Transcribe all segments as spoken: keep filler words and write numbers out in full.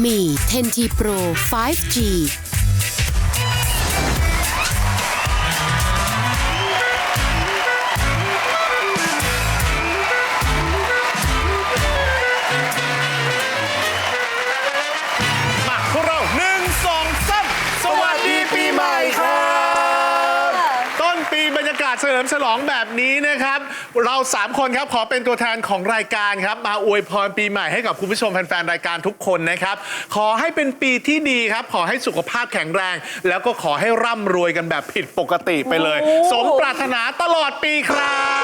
มี เท็น ที Pro ไฟว์ จีมาพวกเราหนึ่งสองสามสวัสดีปีใหม่ครับต้นปีบรรยากาศเฉลิมฉลองแบบนี้นะครับเราสามคนครับขอเป็นตัวแทนของรายการครับมาอวยพรปีใหม่ให้กับคุณผู้ชมแฟนๆรายการทุกคนนะครับขอให้เป็นปีที่ดีครับขอให้สุขภาพแข็งแรง แล้วก็ขอให้ร่ำรวยกันแบบผิดปกติไปเลยสมปรารถนาตลอดปีครับ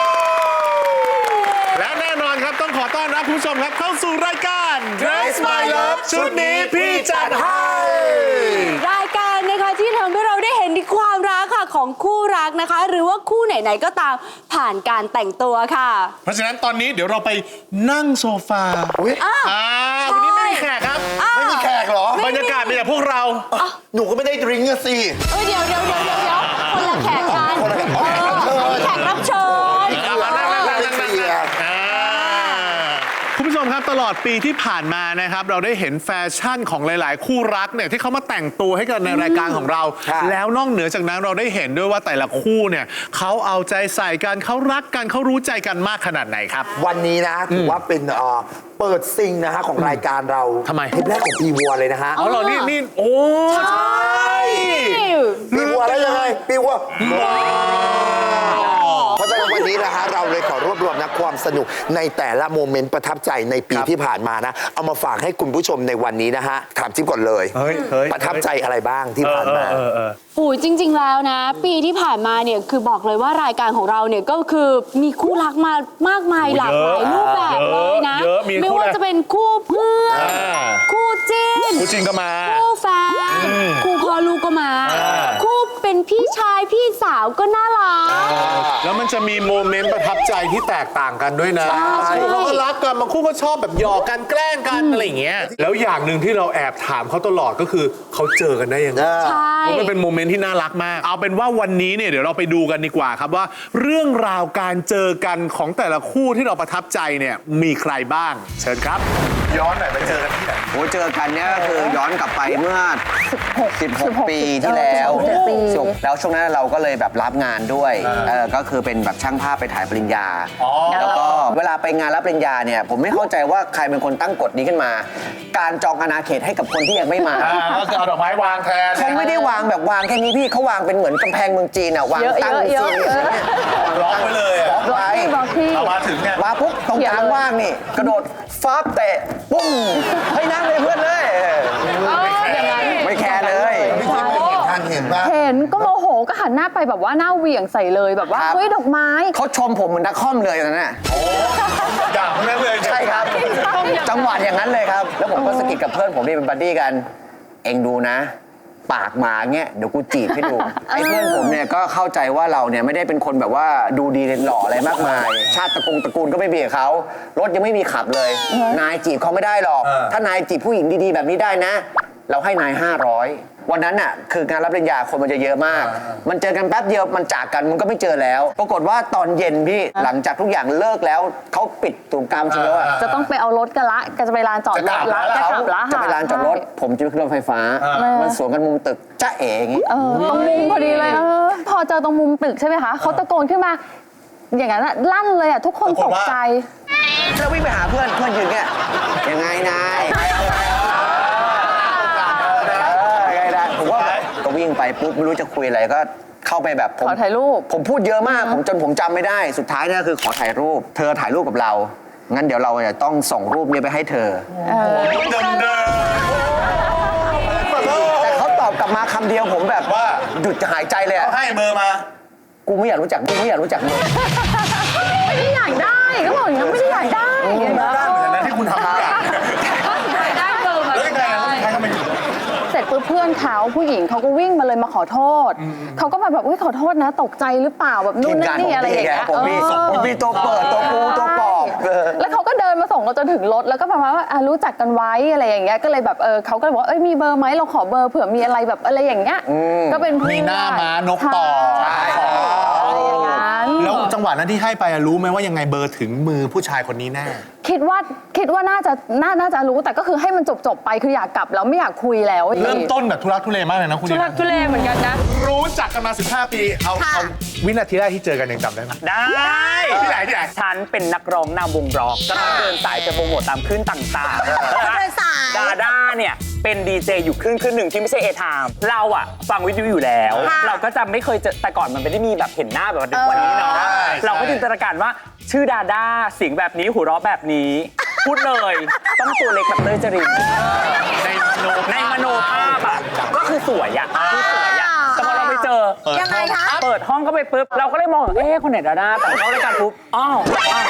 และแน่นอนครับต้องขอต้อนรับคุณผู้ชมครับเข้าสู่รายการ Dress My Love ชุดนี้พี่จัดให้รายการนะคะที่ทำให้เราได้เห็นถึงความรักค่ะของคู่รักนะคะ หรือว่าคู่ไหนๆก็ตามผ่านการแต่งตัวค่ะเพราะฉะนั้นตอนนี้เดี๋ยวเราไปนั่งโซฟาอุ๊ยอ่าอ่าวันนี้ไม่มีแขกครับไม่มีแขกเหรอบรรยากาศมีแต่พวกเราหนูก็ไม่ได้ดริงก์อะสิเออเดี๋ยวเดี๋ยวเดี๋ยวเดี๋ยวเดี๋ยวคนละแขกกันคนละแขกเออแขกรับเชิญเอามานั่งนั่งนั่งนั่งนั่งนั่งอ่าคุณผู้ชมครับตลอดปีที่ผ่านมานะครับเราได้เห็นแฟชั่นของหลาย ๆ คู่รักเนี่ยที่เขามาแต่งตัวให้กันในรายการของเรา แล้วนอกเหนือจากนั้นเราได้เห็นด้วยว่าแต่ละคู่เนี่ยเขาเอาใจใส่กันเขารักกันเขารู้ใจกันมากขนาดไหนครับวันนี้นะถือว่าเป็นเอ่อเปิดซิงนะฮะของรายการเราทำไมเทปแรกของปีวัวเลยนะฮะเอาเหรอนี่นี่โอ้ใช่ปีวัวแล้วยังไงปีวัวเพราะฉะนั้นวันนี้นะฮะเราเลยขอรวบรวมนะความสนุกในแต่ละโมเมนต์ประทับใจในปีที่ผ่านมานะเอามาฝากให้คุณผู้ชมในวันนี้นะฮะถามจิ๊บก่อนเลยเฮ้ยเฮ้ยประทับใจอะไรบ้างที่ผ่านมาเออเออโอ้ยจริง ๆ แล้วนะ ปีที่ผ่านมาเนี่ยคือบอกเลยว่ารายการของเราเนี่ยก็คือมีคู่รักมามากมายหลากหลายรูปแบบเลยนะเยอะมีคู่ไม่ว่าจะเป็นคู่เพื่อนอ่าคู่จิ้นคู่จริงก็มาคู่แฟนคู่พ่อลูกก็มาอ่าคู่เป็นพี่ชายพี่สาวก็น่ารักแล้วมันจะมีโมเมนต์ประทับใจที่แตกต่างกันด้วยนะใช่คู่เขาก็รักกันบางคู่ก็ชอบแบบหยอกกันแกล้งกันอะไรอย่างเงี้ยแล้วอย่างหนึ่งที่เราแอบถามเขาตลอดก็คือเขาเจอกันได้ยังไงใช่เพราะมันเป็นโมเมนต์ที่น่ารักมาก เอาเป็นว่าวันนี้เนี่ยเดี๋ยวเราไปดูกันดีกว่าครับว่า เรื่องราวการเจอกันของแต่ละคู่ที่เราประทับใจเนี่ยมีใครบ้าง เชิญครับ ย้อนหน่อยไปเจอกันที่ไหนโอ้เจอกันเนี่ยก็คือย้อนกลับไปเมื่อ สิบหก ปีที่แล้วสิบหกปีแล้วช่วงนั้นเราก็เลยแบบรับงานด้วยเออก็คือเป็นแบบช่างภาพไปถ่ายปริญญา แล้วก็เวลาไปงานรับปริญญาเนี่ยผมไม่เข้าใจว่าใครเป็นคนตั้งกฎนี้ขึ้นมา การจองอาณาเขตให้กับคนที่ยังไม่มาก็คือเอาดอกไม้วางแทนเขาไม่ได้วางแบบวางแค่นี้พี่เขาวางเป็นเหมือนกำแพงเมืองจีนอ่ะวางเยอะตั้งเยอะซีนเยอะอย่างเงี้ยล็อกไว้เลยอะล็อกไว้บอกพี่เอามาถึงเนี่ยมาปุ๊บตรงกลางว่างนี่ กระโดดฟ้าเตะปุ้งให้นั่งเลยเพื่อนเลย ไม่แคร์เลยพี่จิ๊บเป็นทางเห็นป่ะเห็นก็โมโหก็หันหน้าไปแบบว่าหน้าเหวี่ยงใส่เลยแบบว่าครับเฮ้ยดอกไม้เขาชมผมเหมือนนักคอมเลยตอนนั้นน่ะอย่างนั้นเลยใช่ครับ จังหวะอย่างนั้นเลยครับ แล้วผมก็สะกิดกับเพื่อนผมที่เป็นบัดดี้กัน เองดูนะ ปากหมาเงี้ยเดี๋ยวกูจีบให้ดู ไอ้เพื่อนผมเนี่ยก็เข้าใจว่าเราเนี่ยไม่ได้เป็นคนแบบว่าดูดีหล่ออะไรมากมาย ชาติตระกูลตระกูลก็ไม่มีกับเขารถยังไม่มีขับเลย นายจีบเขาไม่ได้หรอก ถ้านายจีบผู้หญิงดีๆแบบนี้ได้นะ เราให้นายห้าร้อยวันนั้นน่ะคืองานรับปริญญาคนมันจะเยอะมาก มันเจอกันแป๊บเดียวมันจากกันมันก็ไม่เจอแล้ว ปรากฏว่าตอนเย็นพี่หลังจากทุกอย่างเลิกแล้วเขาปิดตูมกามใช่ไหมว่าจะต้องไปเอารถกันละก็จะไปลานจอดรถละจะเขากลับละจะไปลานจอดรถ ผมจะไปขึ้นรถไฟฟ้า มันสวนกันมุมตึกจ้าเอ๋อย่างงี้เออตรงมุมพอดีเลยเออพอเจอตรงมุมตึกใช่ไหมคะเขาตะโกนขึ้นมา อย่างนั้นอะลั่นเลยอะทุกคนตกใจแล้ววิ่งไปหาเพื่อนเพื่อนยืนเงี้ยยังไงนายเออยังไงนายผมว่าก็วิ่งไปปุ๊บไม่รู้จะคุยอะไรก็เข้าไปแบบผมขอถ่ายรูปผมพูดเยอะมากผมจนผมจำไม่ได้สุดท้ายเนี่ยคือขอถ่ายรูป เธอถ่ายรูปกับเรา งั้นเดี๋ยวเราจะต้องส่งรูปนี้ไปให้เธอเดิมเดิมแต่เขาตอบกลับมาคำเดียวผมแบบว่าหยุดหายใจเลยอะให้เบอร์มากูไม่อยากรู้จักมึงไม่อยากรู้จักมึงไม่ได้อยากได้ก็บอกอย่างนั้นไม่ได้อยากได้อย่างเงี้ยได้เหมือนกันนะที่คุณทำทุกอย่างได้เบอร์มาแล้วยังไงอะใครทำไมถึงเสร็จปุ๊บเพื่อนเขาผู้หญิงเขาก็วิ่งมาเลยมาขอโทษเขาก็แบบแบบอุ้ยขอโทษนะ ตกใจหรือเปล่าแบบนู่ทีนมนั่งานนผมนี่อะไรอดีย่างไงเงี้ยผมมีเออผมมีตัวเปิดตัวปูตัวปอบเออแล้วเขาก็เดินมาส่งเราจนถึงรถแล้วก็ประมาณว่าอ่ะรู้จักกันไว้อะไรอย่างเงี้ยก็เลยแบบเออเขาก็เลยบอกว่าเอ้ยมีเบอร์ไหมเราขอเบอร์เผื่อมีอะไรแบบอะไรอย่างเงี้ยก็เป็นเพื่อนมีหน้าม้านกต่อใช่อะไรอย่างนั้นแล้วจังหวะนั้นที่ให้ไปอะรู้ไหมว่ายังไงเบอร์ถึงมือผู้ชายคนนี้แน่คิดว่าคิดว่าน่าจะน่าน่าจะรู้แต่ก็คือให้มันจบจบๆไปคืออยากกลับแล้วไม่อยากคุยแล้วเริ่มต้นแบบทุรักทุเลมากเลยนะคุณทุลักทุเลเหมือนกันนะรู้จักกันมาสิบห้าปีเอาเอาวินาทีแรกที่เจอกันยังจำได้ไหมได้ที่ไหนที่ไหนฉันเป็นนักร้องนำวงร็อกก็ต้องเดินสายไปโปรโมทตามคลื่นต่างๆเดินสายดาด้าเนี่ยเป็นดีเจอยู่คลื่นคลื่นหนึ่งที่ไม่ใช่เอทามเราอะฟังวิทยุอยู่แล้ว เราก็จะไม่เคยเจอแต่ก่อนมันไม่ได้มีแบบเห็นหน้าแบบวันนี้เนาะเราก็จินตนาการว่าชื่อดาด้าเสียงแบบนี้หัวเราะแบบนี้พูดเลยต้องตัวเล็กแบบเต้ยจรินในมโนภาพอะก็คือสวยอะคือสวยอะแต่พอเราไปเจอยังไงคะเปิดห้องก็ไปปุ๊บเราก็เลยมองเอ๊ะคนไหนดาด้าแต่เข้ารายการปุ๊บอ้าว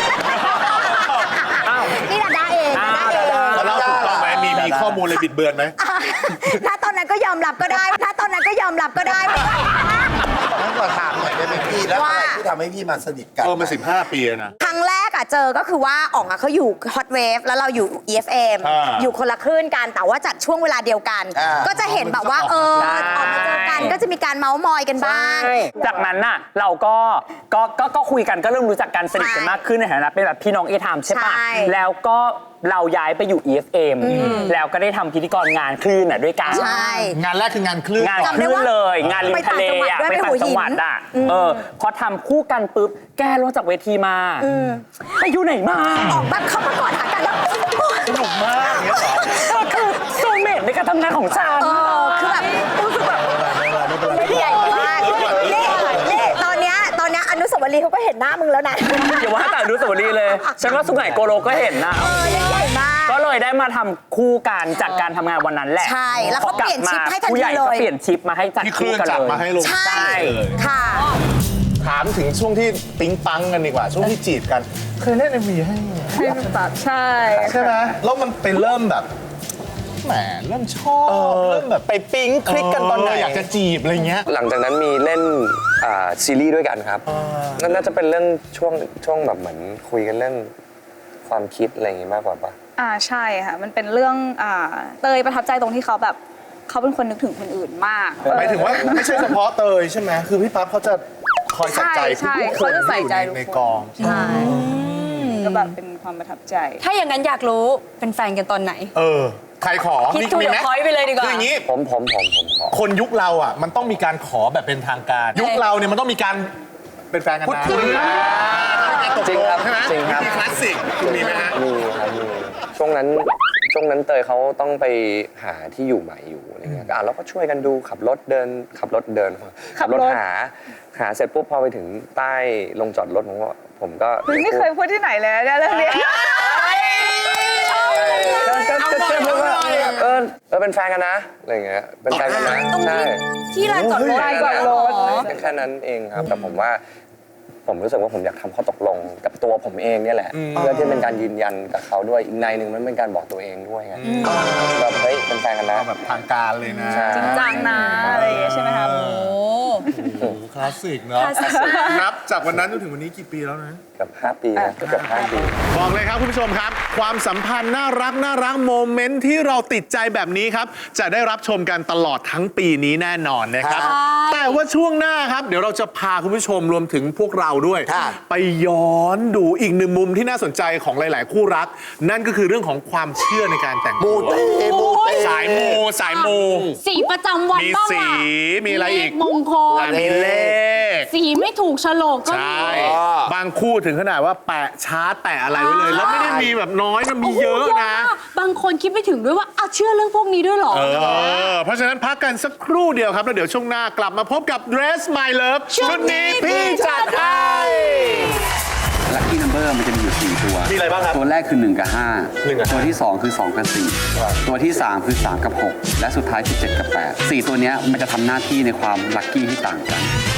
อ้าวนี่ดาด้าเองดาด้าเองเราเล่าถูกต้องไหมมีมีข้อมูลอะไรบิดเบือนไหมถ้าตอนนั้นก็ยอมรับก็ได้ ถ้าตอนนั้นก็ยอมรับก็ได้งั้นขอถามหน่อยได้ไหมพี่แล้วอะไรที่ทำให้พี่มาสนิทกันเออมาสิบห้าปีแล้วนะครั้งแรกอะเจอก็คือว่าอ๋องอะเขาอยู่ฮอตเวฟแล้วเราอยู่ อี เอฟ เอ็มอ่าอยู่คนละคลื่นกันแต่ว่าจัดช่วงเวลาเดียวกันอ่าก็จะเห็นแบบว่าเออออกมาเจอกันก็จะมีการเมาส์มอยกันบ้างจากนั้นน่ะเราก็ก็ก็ก็คุยกันก็เริ่มรู้จักกันสนิทกันมากขึ้นในฐานะเป็นแบบพี่น้องเอทามใช่ปะใช่แล้วก็เราย้ายไปอยู่ อี เอฟ เอ็ม แล้วก็ได้ทำพิธีกรงานคลื่นน่ะด้วยกันใช่งานแรกคืองานคลื่นงานจำคได้ลื่นว่าเลย งานริมทะเลอ่ะไปไปต่าต่าง งจัจังงหหวัวัดดด้วยอ่ะเออพอทำคู่กันปุ๊บแกลงจากเวทีมาไปอยู่ไหนมาออกแบบเข้ามากอดหากันแล้วสนุกมากอย่างเงี้ยเหรอเออคือโซลเมทในการทำงานของฉันเออคือแบบรู้สึกแบบใหญ่มากนี่นี่ตอนเนี้ยตอนเนี้ยอนุสาวรีย์เขาก็เห็นหน้ามึงแล้วนะอย่าว่าแต่อนุสาวรีย์เลย ฉันว่าสุไหงโกโลก็เห็นนะเออใหญ่มากก็เลยได้มาทำคู่กันจากการทำงานวันนั้นแหละใช่แล้วเขาเปลี่ยนชิปให้ทันทีเลยผู้ใหญ่ก็เปลี่ยนชิปมาให้จัดที่คคู่ลื่นกันจัดเลยมาให้ลงใช่ใช่ค่ะถามถึงช่วงที่ปิ๊งปังกันดีกว่า ช่วงที่จีบกัน เคยเล่นเอ็มวีให้แบบใช่ใช่ไหมแล้วมันไปเริ่มแบบแหมเริ่มชอบเริ่มแบบไปปิ๊งคลิกกันตอนไหนเอยากจะจีบอะไรเงี้ยหลังจากนั้นมีเล่นอ่าซีรีส์ด้วยกันครับนั่นน่าจะเป็นเรื่องช่วงช่วงแบบเหมือนคุยกันเรื่องความคิดอะไรอย่างงี้มากกว่าปะอ่าใช่ค่ะ มันเป็นเรื่องอ่าเตยประทับใจตรงที่เขาแบบเขาเป็นคนนึกถึงคนอื่นมากหมายถึงว่าไม่ใช่เฉพาะเตยใช่ไหมคือพี่ปั๊บเขาจะคอยใส่ใจใช่ทุกๆคนเขาจะใส่ใจที่อยู่ทุกคนในกองใช่ก็แบบเป็นความประทับใจถ้าอย่างนั้นอยากรู้เป็นแฟนกันตอนไหนเออ ใครขอคิดมีทูมีเดไหมอะพอยต์ไปเลยดีกว่าคืออย่างนี้ผมผมผมผมขอคนยุคเราอ่ะมันต้องมีการขอแบบเป็นทางการ ยุคเราเนี่ยมันต้องมีการเป็นแฟนกันนะพูดคุยการตกจริงลครังบใช่ไหมจริงวิครับธีคลาสสิกมีไหมฮะมีครับมีช่วงนั้นช่วงนั้นเตยเขาต้องไปหาที่อยู่ใหม่อยู่อะไรเงี้ยอ่ะเราก็ช่วยกันดูขับรถเดินขับรถเดินขับรถหาหาเสร็จปุ๊บพอไปถึงใต้ลงจอดรถผมก็ผมก็เฮ้ยไม่เคยพูดที่ไหนเลยนะเนี่ยเรื่องนี้ก็ก็ก็แค่พูดว่าเออเออเป็นแฟนกันนะอะไรเงี้ยเป็นแฟนกันนะตรงใช่ที่ที่ลานจอดรถลานจอดรถแค่นั้นเองครับ แต่ผมว่าผมรู้สึกว่าผมอยากทำข้อตกลงกับตัวผมเองเนี่ยแหละ เพื่อที่เป็นการยืนยันกับเขาด้วยอีกในหนึ่งมันเป็นการบอกตัวเองด้วยไงแบบเฮ้ยเป็นแฟนกันนะแบบทางการเลยนะใช่จริงจังนะอะไรอย่างเงี้ยใช่ไหมคะโอ้โอ้โหคลาสสิกเนาะนับจากวันนั้นจนถึงวันนี้กี่ปีแล้วนะเกือบห้าปีนะเกือบห้าปีบอกเลยครับคุณผู้ชมครับ ความสัมพันธ์น่ารักน่ารักโมเมนต์ที่เราติดใจแบบนี้ครับ จะได้รับชมกันตลอดทั้งปีนี้แน่นอนนะครับ แต่ว่าช่วงหน้าครับ เดี๋ยวเราจะพาคุณผู้ชมรวมถึงพวกเราด้วยครับไปย้อนดูอีกหนึ่งมุมที่น่าสนใจของหลาย ๆ คู่รัก นั่นก็คือเรื่องของความเชื่อในการแต่งงานมูเตมูเตสายมูสายมูสีประจำวันมีบ้างสีล่ะมีอะไรอีกเลขมงคลมีเลขสีไม่ถูกโฉลกก็ใช่มีบางคู่ถึงขนาดว่าแปะชาร์ตแปะอะไรไว้เลย แล้วไม่ได้มีแบบน้อยนะมีเยอะนะมากบางคนคิดไม่ถึงด้วยว่าอ้าวเชื่อเรื่องพวกนี้ด้วยเหรอเออ เพราะฉะนั้นพักกันสักครู่เดียวครับ แล้วเดี๋ยวช่วงหน้ากลับมาพบกับ Dress My Love ชุดนี้พี่จัดให้ลัคกี้นัมเบอร์มันจะมีอยู่สี่ตัวมีอะไรบ้างครับตัวแรกคือหนึ่งกับห้าหนึ่งกับห้าตัวที่สองคือสองกับสี่ตัวที่สามคือสามกับหกและสุดท้ายคือเจ็ดกับแปดสี่ตัวเนี้ยมันจะทำหน้าที่ในความลัคกี้ที่ต่างกัน